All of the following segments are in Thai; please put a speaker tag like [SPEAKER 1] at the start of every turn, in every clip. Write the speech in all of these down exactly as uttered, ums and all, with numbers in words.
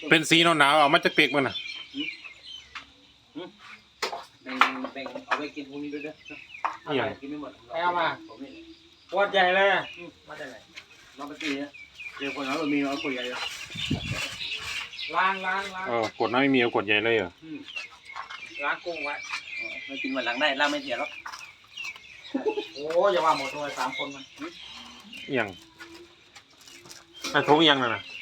[SPEAKER 1] เป็นสีหนาวๆเอามาจากเปียกมันน่ะ
[SPEAKER 2] แบ่งแบ่งเอาไปกินพรุ่งนี้ด้วยเด้อเอาไปกินไม่หมด
[SPEAKER 3] เอามา
[SPEAKER 2] ผมนี่
[SPEAKER 3] ขวดใหญ่เลยมาจากไหน
[SPEAKER 2] น้องปาร์ตี้เนี่ยเดี๋ยวคนเอามีเอาคนใหญ่เลย
[SPEAKER 3] ล้างล้างล้าง
[SPEAKER 1] เออกดน้ำไม่มีเอากดใหญ่เลยเหรอ
[SPEAKER 3] ล้างกุ้งไว้
[SPEAKER 2] ไม่กินวันหลังได้ล่าไม่เสียหรอก
[SPEAKER 3] โอ้อย่าว่าหมดเลยสามคนมัน
[SPEAKER 1] ยังไอ้ทุกยังน่ะนะ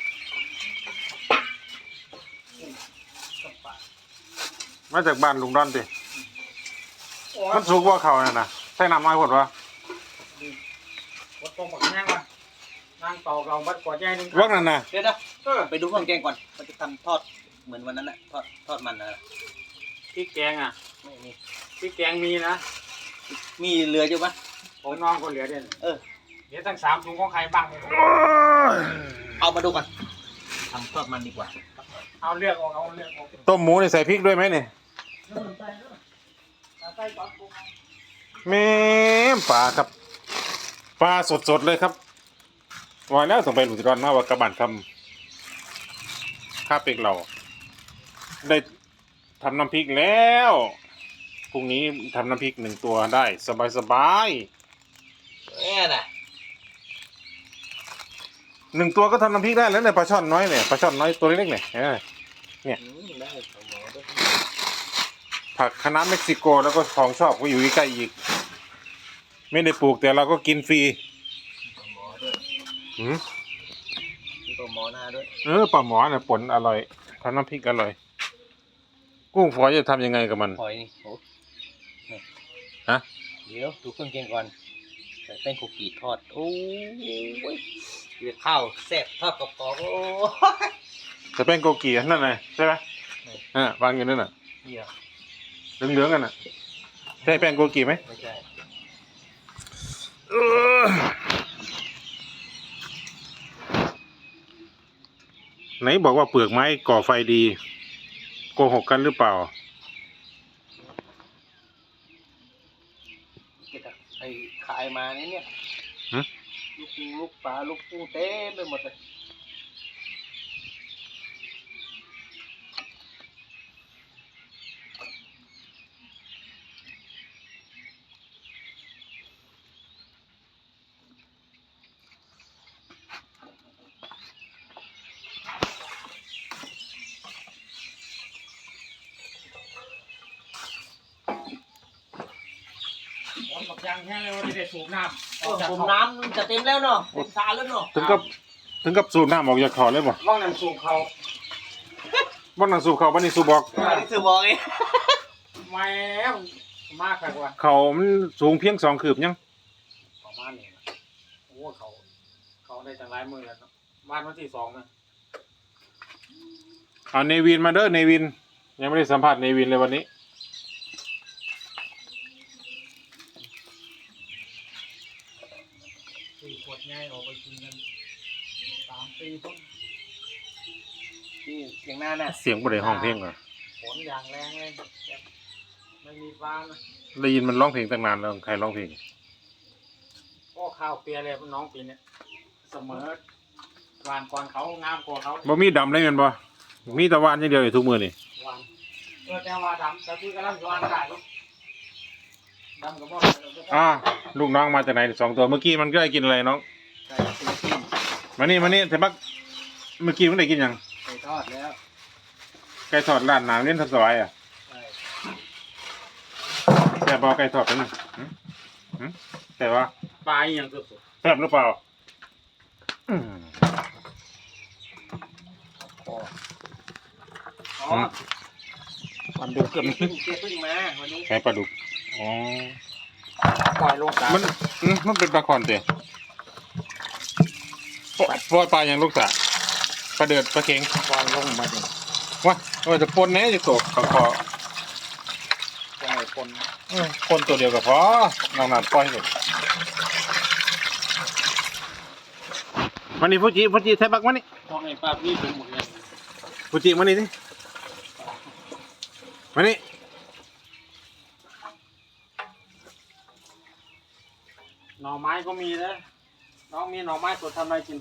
[SPEAKER 1] มาจากบ้านลุงดอนติมันสุกว่าเขาน่ะนะใส่น้ำน้อยหมดวะ
[SPEAKER 3] หมดตรงหมดแห้งวะล้างเตาเราบัดขวดใหญ่หนึง
[SPEAKER 1] วักนั่นน่ะ
[SPEAKER 2] เดี๋ยวนะไปดูเครื่องแกงก่อนมันจะทำทอดเหมือนวันนั้นแหละทอดทอดมันนะ
[SPEAKER 3] พริกแกงอ่ะ
[SPEAKER 2] ไม่มี
[SPEAKER 3] พริกแกงมีนะ
[SPEAKER 2] มีเรืออยู่ปะ
[SPEAKER 3] ของน้องคนเหลือเด่น
[SPEAKER 2] เออ
[SPEAKER 3] เดี๋ยวตั้งสามถุงของใครบ้าง
[SPEAKER 2] เอามาดูก่อนทำทอดมันดีกว่า
[SPEAKER 3] เอาเลือกออกเอาเลือกออก
[SPEAKER 1] ต้มหมูนี่ใส่พริกด้วยไหมเนี่ย
[SPEAKER 3] ใส่ก่อนกุ้ง
[SPEAKER 1] แม่ปลาครับปลาสดๆเลยครับวายแล้วส่งไปหลุดร้อนมาว่ากระบานคำข้าเป็กเรา ได้ทำน้ำพริกแล้วพรุ่งนี้ทำน้ำพริกหนึ่งตัวได้สบายๆ
[SPEAKER 2] เนี่ยน่ะ
[SPEAKER 1] หนึ่งตัวก็ทำน้ำพริกได้แล้วเนี่ยปลาช่อนน้อยเนี่ยปลาช่อนน้อยตัวเล็กๆเนี่ยเห็นไหม
[SPEAKER 2] ได้ของหมอด้วย
[SPEAKER 1] ผักคะน้าเม็กซิโกแล้วก็ของชอบก็อยู่ใกล้ๆอีกไม่ได้ปลูกแต่เราก็กินฟรี
[SPEAKER 2] ของหมอด้วย
[SPEAKER 1] หืม
[SPEAKER 2] มีของหมอหน้าด้วย
[SPEAKER 1] เออปลาหมอเนี่ยผลอร่อยทำน้ำพริกอร่อย กุ้งฝอยจะทำยังไงกับมัน
[SPEAKER 2] หอยนี่โอ้
[SPEAKER 1] ฮะ
[SPEAKER 2] เดี๋ยวดูเครื่องแกงก่อนใส่แป้งโกกีทอดโอ้ยเดือดข้าวแซ่บทอดกรอบๆโอ้ย
[SPEAKER 1] จะเป็นโกกีนั่นไงใช่ไหมอ่าวางอยู่นั่นน่ะ
[SPEAKER 2] เดี๋ยว
[SPEAKER 1] เหลืองๆกันน่ะใช่แป้งโกกีไหม
[SPEAKER 2] ไม่ใช่
[SPEAKER 1] เออไหนบอกว่าเปลือกไม้ก่อไฟดีโกหกกันหรือเปล่า
[SPEAKER 2] เก็บไอ้ขายมานี่เนี่ย
[SPEAKER 1] ฮะ
[SPEAKER 2] ลูกกุ้งลูกปลาลูกกุ้งเต็มไปหมดเลย
[SPEAKER 3] หมดหมดยางแห้งเลยวันนี้ได้สูบน้ำ
[SPEAKER 2] เออผมน้ำจะเต็มแล้วเนาะเต็มซาแล้วเนาะ
[SPEAKER 1] ถึงกับถึงกับสูบน้ำออกจากคอเลยบ่
[SPEAKER 3] ว่างน้ำสูบเขา
[SPEAKER 1] บ่นั่งสูบเขาบ่นี่สูบบอก
[SPEAKER 2] อันนี้สื่อบอกเอง
[SPEAKER 3] แม่งมากครับว่า
[SPEAKER 1] เขามันสูงเพียงสองคืบยัง
[SPEAKER 3] ประมาณนี้นะโอ้เขาเขาได้จังไรมือแล้วเนาะบ้านวันที่สองนะ
[SPEAKER 1] เอาเนวินมาเด้อเนวินยังไม่ได้สัมภาษณ์เนวินเลยวันนี้
[SPEAKER 3] สี่ขวดง่ายออกไปกินกันสามปีต้น
[SPEAKER 2] นี่เสียงหน้าน่ะ
[SPEAKER 1] เสียงบ่ได้ห้องเพลงเหรอ
[SPEAKER 3] ฝนอย่างแรงเลยแบบไม่มีฟ้านะ
[SPEAKER 1] ได้ยินมันร้องเพลงตั้งนานแล้วใครร้องเพลง
[SPEAKER 3] ก็ข้าวเปียเลยน้องปีนี้เสมอหวานก่อนเขางามกว่าเขา
[SPEAKER 1] บ่มีดำเลยแม่นบ่มีแตะวันอย่างเดียวอยู่ทุกมื้อนี่
[SPEAKER 3] หวานเออแต่ว่าดำแต่ที่กำลังหวานได้ลูกดำกับบ่
[SPEAKER 1] อ่าลูกน้องมาจากไหนสองตัวเมื่อกี้มันก็ได้กินอะไรน้อง
[SPEAKER 2] ไก่ฟิลิปปินส์
[SPEAKER 1] มานี่มานี่แต่บักเมื่อกี้มันได้กินหยัง
[SPEAKER 2] ไก่ทอดแล้ว
[SPEAKER 1] ไก่ทอดร้านน้ำเล่นทับสวายอ่ะ
[SPEAKER 2] ใช่
[SPEAKER 1] แซ่บบ่ไก่ทอดเป็นหึหึแต่ว่า
[SPEAKER 3] ปลาอย่างเกือบสุด
[SPEAKER 1] แซ่บหรือเปล่าอืม
[SPEAKER 2] อ๋อ
[SPEAKER 3] อ๋อ
[SPEAKER 1] มันดูเกิน
[SPEAKER 2] เพิ่งเพิ่งมาวันนี้
[SPEAKER 1] ไก่ปลาดุกอ๋อ
[SPEAKER 3] ปล่อยลงสา
[SPEAKER 1] มันอืมมันเป็นปลาคอนเตะปล่อยปล่อยปลาอย่างลูกสะปลาเดือดปลาเค็ง
[SPEAKER 3] ปล่อยลงมาดิ
[SPEAKER 1] ว่าว่าจะปนแหน่จะตกขอขอ
[SPEAKER 3] ปล่อยคน
[SPEAKER 1] อืมปนตัวเดียวกับพอน้องนัดปล่อยเลยวันนี้ฟูจิฟูจิไทยบักวันนี้
[SPEAKER 3] พอไอ้ปลาพี่เป็นหมดเลย
[SPEAKER 1] ฟูจิวันนี้ดิวันนี้
[SPEAKER 3] หน่อไม้ก็มีนะน้องมีหน่อไม้สดทำอะไรกิน